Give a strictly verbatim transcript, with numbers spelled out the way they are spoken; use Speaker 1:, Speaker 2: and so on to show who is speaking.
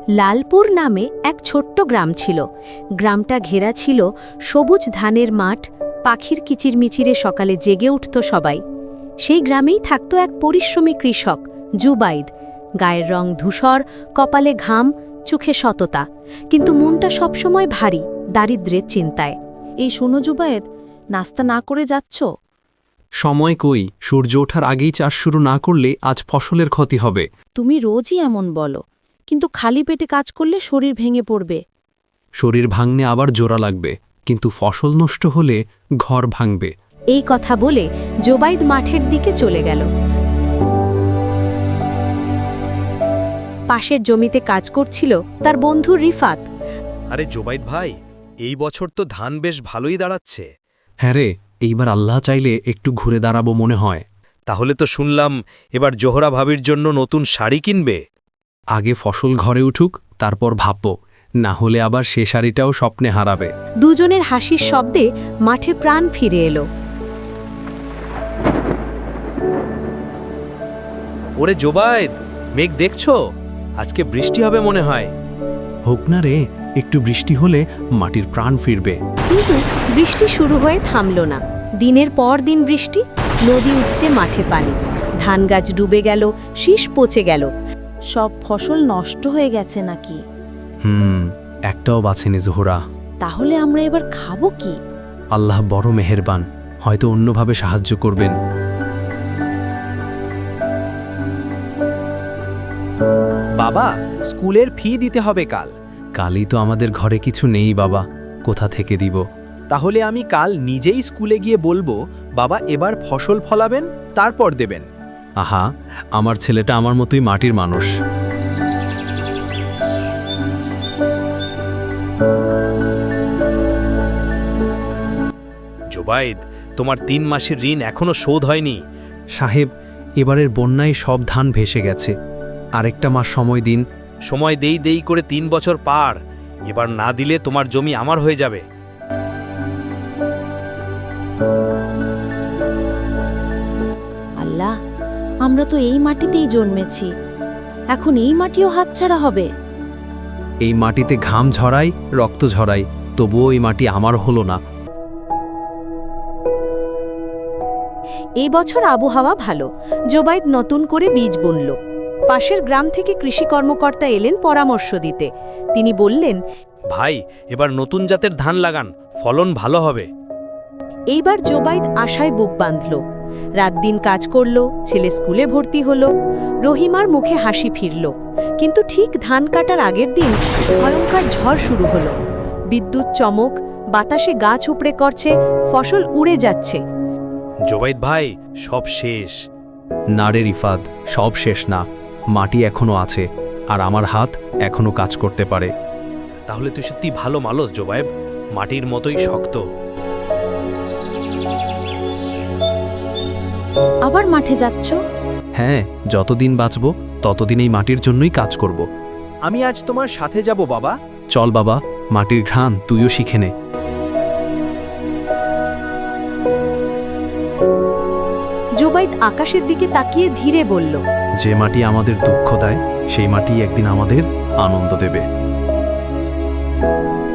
Speaker 1: লালপুর নামে এক ছোট্ট গ্রাম ছিল। গ্রামটা ঘেরা ছিল সবুজ ধানের মাঠ, পাখির কিচিরমিচিরে সকালে জেগে উঠত সবাই। সেই গ্রামেই থাকত এক পরিশ্রমী কৃষক, জুবাইদ। গায়ের রং ধূসর, কপালে ঘাম, চোখে সততা, কিন্তু মনটা সবসময় ভারী, দারিদ্র্যের চিন্তায়।
Speaker 2: এই শোনো জুবায়েদ, নাস্তা না করে যাচ্ছ?
Speaker 3: সময় কই, সূর্য ওঠার আগেই চাষ শুরু না করলে আজ ফসলের ক্ষতি হবে।
Speaker 2: তুমি রোজই এমন বলো, কিন্তু খালি পেটে কাজ করলে শরীর ভেঙে পড়বে।
Speaker 3: শরীর ভাঙনে আবার জোড়া লাগবে, কিন্তু ফসল নষ্ট হলে ঘর ভাঙবে।
Speaker 1: এই কথা বলে জোবাইদ মাঠের দিকে চলে গেল। পাশের জমিতে কাজ করছিল তার বন্ধু রিফাত।
Speaker 4: আরে জোবাইদ ভাই, এই বছর তো ধান বেশ ভালোই দাঁড়াচ্ছে।
Speaker 3: হ্যাঁ রে, এইবার আল্লাহ চাইলে একটু ঘুরে দাঁড়াবো মনে হয়।
Speaker 4: তাহলে তো শুনলাম এবার জোহরা ভাবির জন্য নতুন শাড়ি কিনবে।
Speaker 3: আগে ফসল ঘরে উঠুক, তারপর ভাববো, না হলে আবার সে শাড়িটাও স্বপ্নে হারাবে।
Speaker 1: দুজনের হাসির শব্দে মাঠে প্রাণ ফিরে এলো।
Speaker 4: ওরে জোবাইদ, মেঘ দেখছো? আজকে বৃষ্টি হবে মনে হয়।
Speaker 3: হোক না রে, একটু বৃষ্টি হলে মাটির প্রাণ ফিরবে।
Speaker 1: কিন্তু বৃষ্টি শুরু হয়ে থামল না। দিনের পর দিন বৃষ্টি, নদী উঠছে মাঠে পানি, ধান গাছ ডুবে গেল, শীষ পচে গেল।
Speaker 2: সব ফসল নষ্ট হয়ে গেছে নাকি?
Speaker 3: হুম, একটাও বাঁচেনি জোহরা।
Speaker 2: তাহলে আমরা এবার খাবো কি?
Speaker 3: আল্লাহ বড় মেহেরবান, হয়তো অন্যভাবে সাহায্য করবেন।
Speaker 4: বাবা, স্কুলের ফি দিতে হবে কাল।
Speaker 3: কালই তো আমাদের ঘরে কিছু নেই বাবা, কোথা থেকে দিব?
Speaker 4: তাহলে আমি কাল নিজেই স্কুলে গিয়ে বলবো, বাবা এবার ফসল ফলাবেন, তারপর দেবেন।
Speaker 3: আহা, আমার ছেলেটা আমার মতোই মাটির মানুষ।
Speaker 4: জোবাইদ, তোমার তিন মাসের ঋণ এখনো শোধ হয়নি।
Speaker 3: সাহেব, এবারের বন্যায় সব ধান ভেসে গেছে, আরেকটা মাস সময় দিন।
Speaker 4: সময় দেই দেই করে তিন বছর পার, এবার না দিলে তোমার জমি আমার হয়ে যাবে।
Speaker 2: আল্লাহ, আমরা তো এই মাটিতেই জন্মেছি, এখন এই মাটিও হাতছাড়া হবে।
Speaker 3: এই মাটিতে ঘাম ঝরাই, রক্ত ঝরাই, তবুও এই মাটি আমার হলো না।
Speaker 1: এই বছর আবহাওয়া ভালো, জোবাইদ নতুন করে বীজ বুনল। পাশের গ্রাম থেকে কৃষি কর্মকর্তা এলেন পরামর্শ দিতে। তিনি বললেন,
Speaker 4: ভাই, এবার নতুন জাতের ধান লাগান, ফলন ভালো হবে।
Speaker 1: এইবার জোবাইদ আশায় বুক বাঁধল। রাত দিন কাজ করল, ছেলে স্কুলে ভর্তি হল, রহিমার মুখে হাসি ফিরল। কিন্তু ঠিক ধান কাটার আগের দিন ভয়ঙ্কর ঝড় শুরু হলো। বিদ্যুৎ চমক, বাতাসে গাছ উপড়ে করছে, ফসল উড়ে যাচ্ছে।
Speaker 4: জোবাইদ ভাই, সব শেষ।
Speaker 3: না রে রিফাত, সব শেষ না, মাটি এখনো আছে, আর আমার হাত এখনো কাজ করতে পারে।
Speaker 4: তাহলে তুই সত্যি ভালো মানুষ জোবাইব, মাটির মতোই শক্ত।
Speaker 2: আবার মাঠে যাচ্ছ?
Speaker 3: হ্যাঁ, যতদিন বাঁচব ততদিন এই মাটির জন্যই কাজ করব।
Speaker 4: আমি আজ তোমার সাথে যাব বাবা।
Speaker 3: চল বাবা, মাটির ঘ্রাণ তুইও শিখে নে।
Speaker 1: জোবাইদ আকাশের দিকে তাকিয়ে ধীরে বলল,
Speaker 3: যে মাটি আমাদের দুঃখ দেয়, সেই মাটি একদিন আমাদের আনন্দ দেবে।